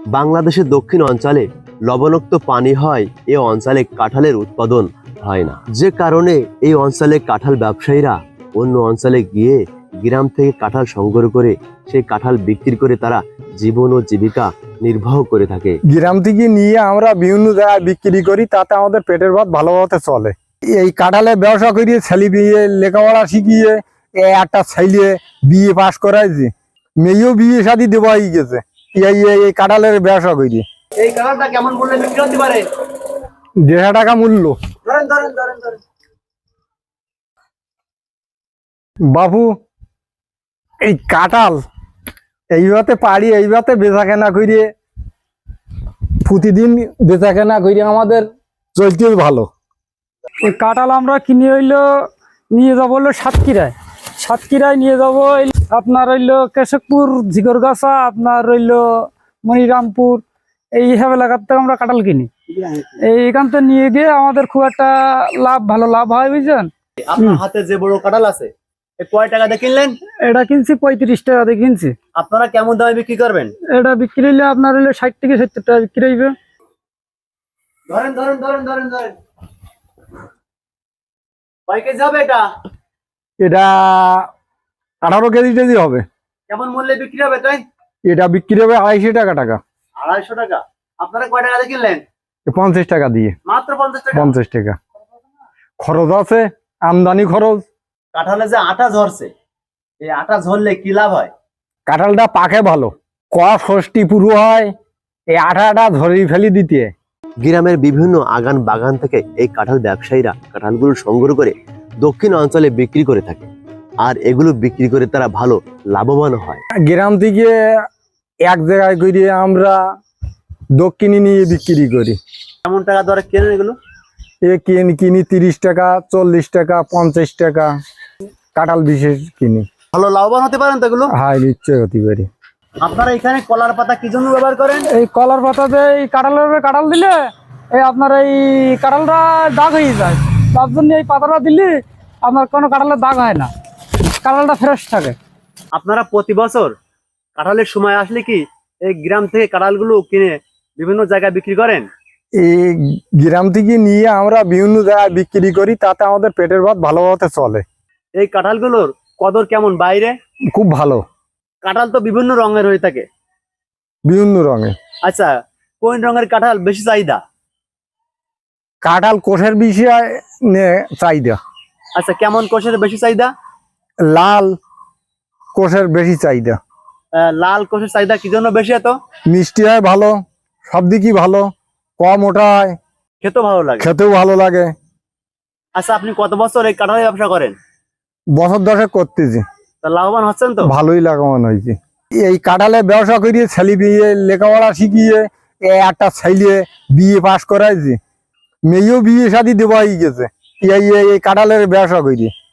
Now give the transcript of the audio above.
বাংলাদেশের দক্ষিণ অঞ্চলে লবণাক্ত পানি হয়, এ অঞ্চলে কাঁঠালের উৎপাদন হয় না, যে কারণে এই অঞ্চলে কাঁঠাল ব্যবসায়ীরা অন্য অঞ্চলে গিয়ে গ্রাম থেকে কাঁঠাল সংগ্রহ করে সেই কাঁঠাল বিক্রি করে তারা জীবন ও জীবিকা নির্বাহ করে থাকে। গ্রাম থেকে নিয়ে আমরা বিভিন্ন জায়গায় বিক্রি করি, তাতে আমাদের পেটের ভাত ভালোভাবে চলে। এই কাঁঠালের ব্যবসা করিয়ে ছেলে বিয়ে লেখাপড়া শিখিয়ে একটা ছেলে বিয়ে পাশ করাইছে, মেয়েও বিয়ে শাদী দেওয়া হয়ে গেছে এই কাঁঠালের ব্যবসা করি। এই কাঁঠালটা কেমন মূল্যে বিক্রি হতে পারে? 1.5 টাকা মূল্য। বাবু, এই কাঁঠাল এইভাবে পারি, এইভাবে বেচা কেনা করিয়ে প্রতিদিন বেচা কেনা করিয়ে আমাদের চলতেও ভালো। এই কাঁঠাল আমরা কিনে নিয়ে যাবো সাতক্ষীরায় নিয়ে যাবো। আপনার কেশবপুর, ঝিগরগাছা, আপনার মনিরামপুর, এইসব এলাকার থেকে আমরা কাঁঠাল কিনি। এইখান থেকে নিয়ে গিয়ে আমাদের খুব একটা ভালো লাভ হয়, বুঝছেন। আপনার হাতে যে বড় কাঁঠাল আছে, কয় টাকা দিয়ে কিনলেন? এটা কিনছি 35 টাকা দিয়ে কিনছি। আপনারা কেমন দামে বিক্রি করবেন? এটা বিক্রি হইলে আপনার 60 থেকে 70 টাকা বিক্রি হইবে। ধরেন কয় কেজি হবে এটা? এটা 18 কেজি হবে। কেমন মূল্যে বিক্রি হবে তাই? এটা বিক্রি হবে 250 টাকা। 250 টাকা। আপনারা কয় টাকা দিয়ে কিনলেন? 50 টাকা দিয়ে। মাত্র 50 টাকা? 50 টাকা। খরচ আছে, আমদানি খরচ। কাঁঠালে যে আটা ঝরছে, এই আটা ঝরলে কি লাভ হয়? কাঁঠালটা পাকে ভালো, ষষ্ঠী পুরো হয়, এই আটাটা ঝরিয়ে ফেলি দিতে। গ্রামের বিভিন্ন আগান বাগান থেকে এই কাঁঠাল ব্যবসায়ীরা কাঁঠালগুলো সংগ্রহ করে দক্ষিণ অঞ্চলে বিক্রি করে থাকে, আর এগুলো বিক্রি করে তারা ভালো লাভবান হয়। গ্রাম থেকে এক জায়গায় করে আমরা দক্ষিণে নিয়ে বিক্রি করি। কেমন টাকা দরে কেনেন এগুলো? কিনি 30 টাকা, 40 টাকা, 50 টাকা। কাঁঠাল বিশেষ কিনি। ভালো লাভবান হতে পারেন তো এগুলো? হ্যাঁ, নিশ্চয় হতে পারি। আপনারা এখানে কলার পাতা কি জন্য ব্যবহার করেন? এই কলার পাতাতে এই কাঁঠাল দিলে আপনার এই কাঁঠালটা দাগ হয়ে যায়, তার জন্য এই পাতাটা দিলে আপনার কোনো কাঁঠালের দাগ হয় না, কাঁঠালটা ফ্রেশ থাকে। আপনারা প্রতি বছর কাঁঠালের সময় আসলে কি এই গ্রাম থেকে কাঁঠালগুলো কিনে বিভিন্ন জায়গায় বিক্রি করেন? এই গ্রাম থেকে নিয়ে আমরা বিভিন্ন জায়গায় বিক্রি করি, তাতে আমাদের পেটের ভাত ভালোভাবে চলে। এই কাঁঠালগুলোর কদর কেমন বাইরে? খুব ভালো। কাঁঠাল তো বিভিন্ন রঙের হয়ে থাকে। বিভিন্ন রঙে। আচ্ছা, কোন রঙের কাঁঠাল বেশি চাহিদা? কাঁঠাল কোষের বিষয়ে চাহিদা। আচ্ছা, কেমন কোষের বেশি চাহিদা? লাল কোষের বেশি চাহিদা। লাল কোষের চাহিদা কি জন্য বেশি? এত মিষ্টি হয়, ভালো, সব দিকই ভালো, কম ওটা হয়, খেতেও ভালো লাগে। খেতেও ভালো লাগে। আচ্ছা, আপনি কত বছর এই কাঁঠালের ব্যবসা করেন? বছর 10 করতেছি। তা লাভবান হচ্ছেন তো? ভালোই লাভবান হয়েছে। এই কাঁঠালের ব্যবসা করিয়ে ছেলে বিয়ে লেখাপড়া শিখিয়ে একটা ছেলে বিয়ে পাশ করাইছে, মেয়েও বিয়ে শাদী দেওয়া হয়ে গেছে এই কাঁঠালের ব্যবসা করিয়ে।